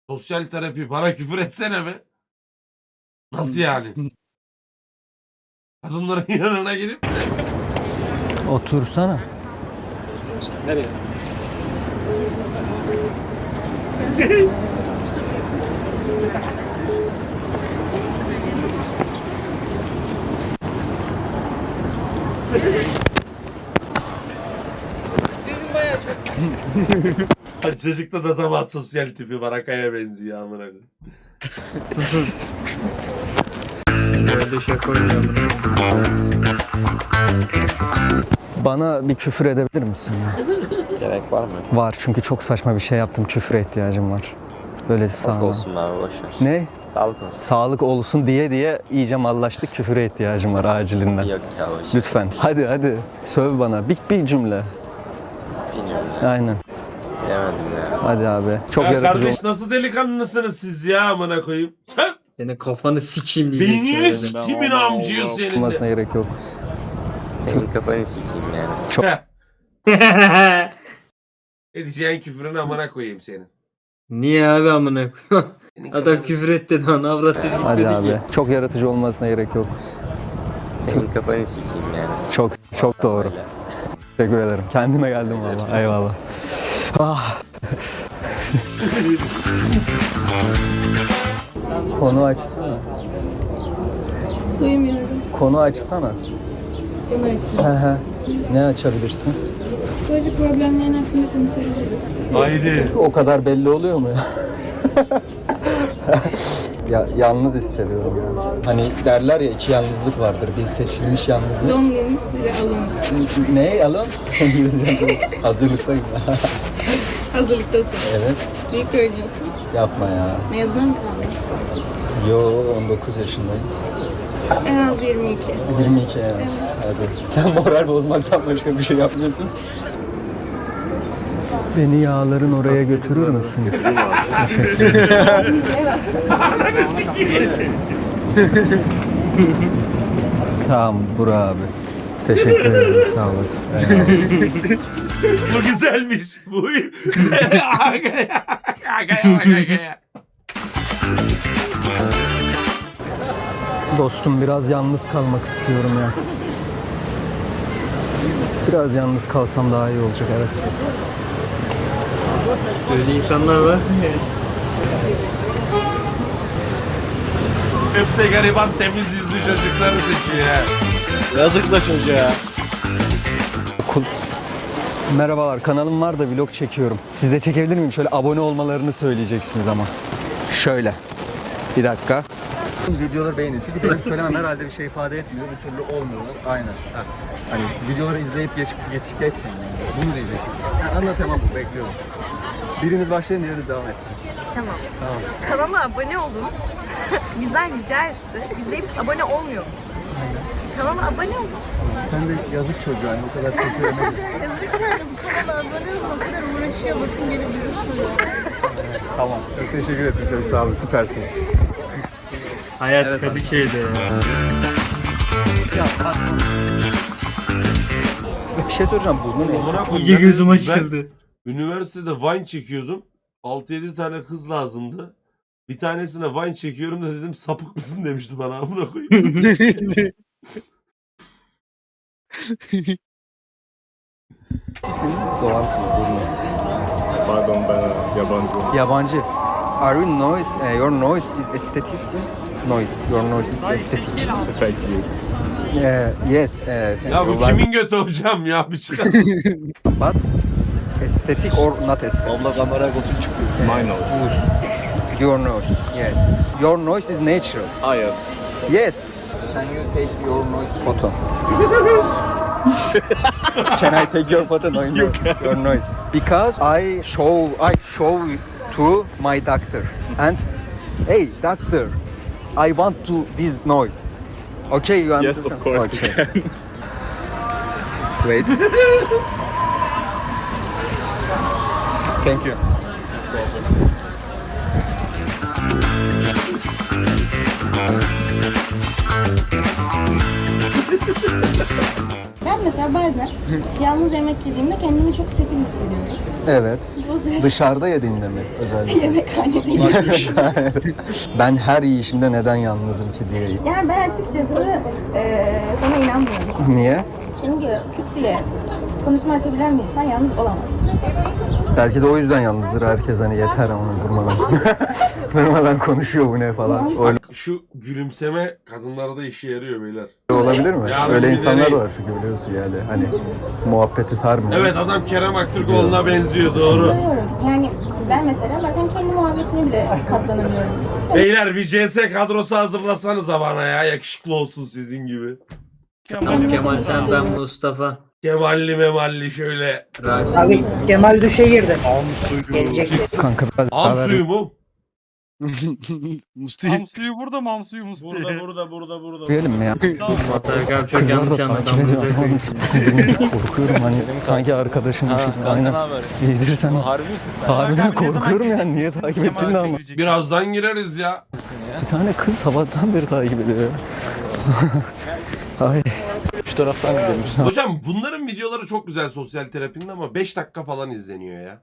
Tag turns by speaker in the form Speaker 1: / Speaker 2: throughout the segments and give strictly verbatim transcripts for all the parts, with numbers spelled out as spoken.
Speaker 1: Sosyal terapi bana küfür etsene be. Nasıl yani? Kadınların yanına gidip de.
Speaker 2: Otursana.
Speaker 3: Nereye?
Speaker 4: Benim bayağı çok.
Speaker 1: Çocukta da tam sosyal tipi Barakaya benziyor amına koyayım.
Speaker 3: Böyle şaka oynuyorum.
Speaker 2: Bana bir küfür edebilir misin ya?
Speaker 5: Gerek var mı?
Speaker 2: Var çünkü çok saçma bir şey yaptım. Küfüre ihtiyacım var. Böyle
Speaker 5: Sağlık
Speaker 2: sağ
Speaker 5: olsun abi boşver.
Speaker 2: Ne?
Speaker 5: Sağlık olsun.
Speaker 2: Sağlık olsun diye diye iyice mallaştık. Küfüre ihtiyacım var acilinden.
Speaker 5: Yok ya boşver.
Speaker 2: Lütfen. Hadi hadi. Söv bana. Bir, bir cümle.
Speaker 5: Bilmiyorum.
Speaker 2: Aynen.
Speaker 5: Bilemedim ya.
Speaker 2: Hadi abi. Çok
Speaker 1: Ya
Speaker 2: yaratıcı
Speaker 1: kardeş nasıl delikanlısınız siz ya amına koyayım? Sen
Speaker 3: Senin kafanı sikeyim diyeceksin.
Speaker 1: beynini
Speaker 3: öyle.
Speaker 1: sikimin amcıyor senin
Speaker 2: olmasına
Speaker 1: de.
Speaker 2: gerek yok.
Speaker 5: Senin kafanı sikeyim yani.
Speaker 1: Heh, Edeceğin küfrün amına koyayım senin.
Speaker 3: Niye abi amına koyayım?
Speaker 1: Senin
Speaker 3: Adam
Speaker 1: kafanı-
Speaker 3: küfür etti lan avrat çocuk
Speaker 2: Hadi
Speaker 3: dedi
Speaker 2: abi.
Speaker 3: ki.
Speaker 2: Çok yaratıcı olmasına gerek yok.
Speaker 5: Senin kafanı sikeyim yani.
Speaker 2: Çok çok doğru.
Speaker 5: Öyle.
Speaker 2: Teşekkür ederim. Kendime geldim valla. Eyvallah. Ah. Konu açsana.
Speaker 4: Duymuyorum.
Speaker 2: Konu açsana.
Speaker 4: Bunu açın.
Speaker 2: He he. Ne açabilirsin?
Speaker 4: Psikolojik problemlerin hakkında konuşabiliriz.
Speaker 1: Haydi.
Speaker 2: O kadar belli oluyor mu ya? Ya yalnız hissediyorum yani. Hani derler ya iki yalnızlık vardır. Bir seçilmiş yalnızlık.
Speaker 4: Loneliness bile alın.
Speaker 2: Ne alın? Hazırlıktayım.
Speaker 4: Hazırlıktasın.
Speaker 2: Evet.
Speaker 4: Büyük oynuyorsun.
Speaker 2: Yapma ya.
Speaker 4: Mezuna mı kaldın?
Speaker 2: Yo on dokuz yaşındayım.
Speaker 4: En az yirmi iki.
Speaker 2: yirmi iki yalnız. Hadi. Sen moral bozmaktan başka bir şey yapmıyorsun. Beni yağların oraya götürür müsün? Tamam Burak abi. Teşekkür ederim sağ olasın. Eyvallah.
Speaker 1: Bu güzelmiş. Bu Agaya. Agaya agaya.
Speaker 2: Dostum biraz yalnız kalmak istiyorum ya. Biraz yalnız kalsam daha iyi olacak evet.
Speaker 3: Öyle insanlar var.
Speaker 1: Hep de gariban temiz yüzlü çocukları seçiyor ya.
Speaker 5: Yazık da çocuğa.
Speaker 2: Okul. Merhabalar kanalım var da vlog çekiyorum. Siz de çekebilir miyim? Şöyle abone olmalarını söyleyeceksiniz ama. Şöyle. Bir dakika. Videoları beğenin çünkü benim söylemem herhalde bir şey ifade etmiyor. Bir türlü olmuyorlar. Aynen. Ha. Hani videoları izleyip geç, geçip geçmeyin. Yani. Bunu diyeceksiniz. Yani anlatamam bu. Bekliyorum. Biriniz başlayın, diğeriniz devam etsin.
Speaker 6: Tamam.
Speaker 2: Tamam.
Speaker 6: Kanala abone olun. Bizden rica etti. İzleyip abone olmuyormuşsun. Kanala abone olun.
Speaker 2: Sen de yazık çocuğa yani o kadar çok
Speaker 6: Çocuğa yazık yani bu kanala abone olun. O kadar uğraşıyor. Bakın gelip bizi soruyor.
Speaker 2: Tamam. Çok teşekkür ederim. Çok sağ olun. Süpersiniz.
Speaker 3: Hayat
Speaker 2: Evet,
Speaker 3: Kadıköy'de ya.
Speaker 2: Bir şey soracağım. Bunun
Speaker 1: Amına koyayım,
Speaker 3: İyice
Speaker 1: ben-
Speaker 3: gözüm
Speaker 1: ben
Speaker 3: açıldı.
Speaker 1: Üniversitede Vine çekiyordum. altı yedi tane kız lazımdı. Bir tanesine Vine çekiyorum da dedim sapık mısın demişti bana amına koyayım.
Speaker 2: senin doğal kullanımı.
Speaker 7: Pardon ben yabancı.
Speaker 2: Yabancı. Are you noise? Uh, your noise is aesthetic. Noise. Your noise is aesthetic.
Speaker 7: Thank you.
Speaker 2: Uh, yes. Uh,
Speaker 1: Ya bu kimin götü hocam ya bir şey.
Speaker 2: But aesthetic or not aesthetic?
Speaker 5: Abla kameraya götür çıkıyor.
Speaker 7: My nose.
Speaker 2: Your nose. Yes. Your noise is natural.
Speaker 7: Ah yes.
Speaker 2: Yes. Can you take your noise photo? Can I take your photo? No, no, your noise. Because I show I show to my doctor and hey doctor, I want to this noise. Okay, you
Speaker 7: Yes,
Speaker 2: understand?
Speaker 7: of course you
Speaker 2: okay.
Speaker 7: can.
Speaker 2: Wait. Thank you.
Speaker 4: Ben mesela
Speaker 8: mesela bazen yalnız yemek yediğimde kendimi çok sefil hissediyorum.
Speaker 2: Evet.
Speaker 8: Bu süreçte
Speaker 2: Dışarıda yediğinde mi özellikle?
Speaker 8: yemekhane değil.
Speaker 2: Ben her yiyişimde neden yalnızım ki diye.
Speaker 8: Yani ben açıkçası eee sana inanmıyorum.
Speaker 2: Niye?
Speaker 8: Çünkü küt diye konuşma açabilen bir insan yalnız olamaz.
Speaker 2: Belki de o yüzden yalnızdır herkes, hani yeter ama durmadan. durmadan konuşuyor bu ne falan. Öyle
Speaker 1: Şu gülümseme kadınlarda işe yarıyor beyler.
Speaker 2: olabilir mi?
Speaker 1: Yarın
Speaker 2: Öyle
Speaker 1: bir
Speaker 2: insanlar
Speaker 1: deneyim.
Speaker 2: da var çünkü biliyorsun yani. Hani muhabbeti sarmıyor.
Speaker 1: Evet, adam Kerem Aktürkoğlu'na benziyor, doğru.
Speaker 8: Biliyorum. Yani ben mesela bazen kendi muhabbetine bile katlanamıyorum.
Speaker 1: Beyler bir C S kadrosu hazırlasanıza bana ya, yakışıklı olsun sizin gibi.
Speaker 3: Kemal, Kemal sen ben Mustafa.
Speaker 1: Kemalli memalli şöyle.
Speaker 3: Rasim.
Speaker 9: Abi Kemal düşe girdi. Gelecek.
Speaker 2: Kanka biraz
Speaker 1: Am
Speaker 2: haber-
Speaker 1: suyu mu?
Speaker 10: Musti.
Speaker 11: Hamsuyu burada mı hamsuyu Musti?
Speaker 10: Burada burada burada burada.
Speaker 2: Diyelim mi ya?
Speaker 3: Muhtar abi çok
Speaker 2: Kızlar
Speaker 3: yanlış
Speaker 2: da
Speaker 3: anladı.
Speaker 2: takip ediyor.
Speaker 3: amınıza
Speaker 2: Ama
Speaker 3: koyayım.
Speaker 2: korkuyorum hani sanki arkadaşım gibi. Aynen. Yedirirsen.
Speaker 10: Harbi misin sen?
Speaker 2: Harbiden korkuyorum yani. Niye takip ettiğini de anlamadım.
Speaker 1: Birazdan gireriz ya.
Speaker 2: Bir tane kız sabahtan beri takip ediyor. Ay.
Speaker 10: Şu taraftan gidelim.
Speaker 1: Hocam bunların videoları çok güzel sosyal terapinin ama beş dakika falan izleniyor ya.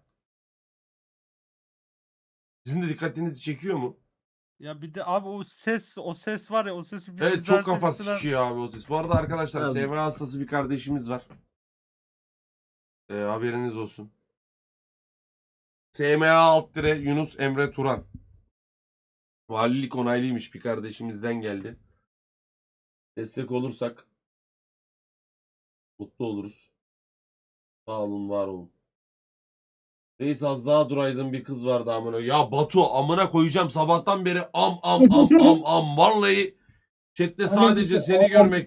Speaker 1: Sizin de dikkatinizi çekiyor mu?
Speaker 11: Ya bir de abi o ses o ses var ya o sesi bir
Speaker 1: Evet, çok kafa
Speaker 11: düzeltebilseler-
Speaker 1: sıkıyor abi o ses. Bu arada arkadaşlar
Speaker 3: Abi.
Speaker 1: S M A hastası bir kardeşimiz var. Ee, haberiniz olsun. S M A alt dire Yunus Emre Turan. Valilik onaylıymış, bir kardeşimizden geldi. Destek olursak mutlu oluruz. Sağ olun, var olun. Reis az daha duraydın, bir kız vardı amına. Ya Batu, amına koyacağım sabahtan beri am am am am am. Vallahi chatte sadece seni görmek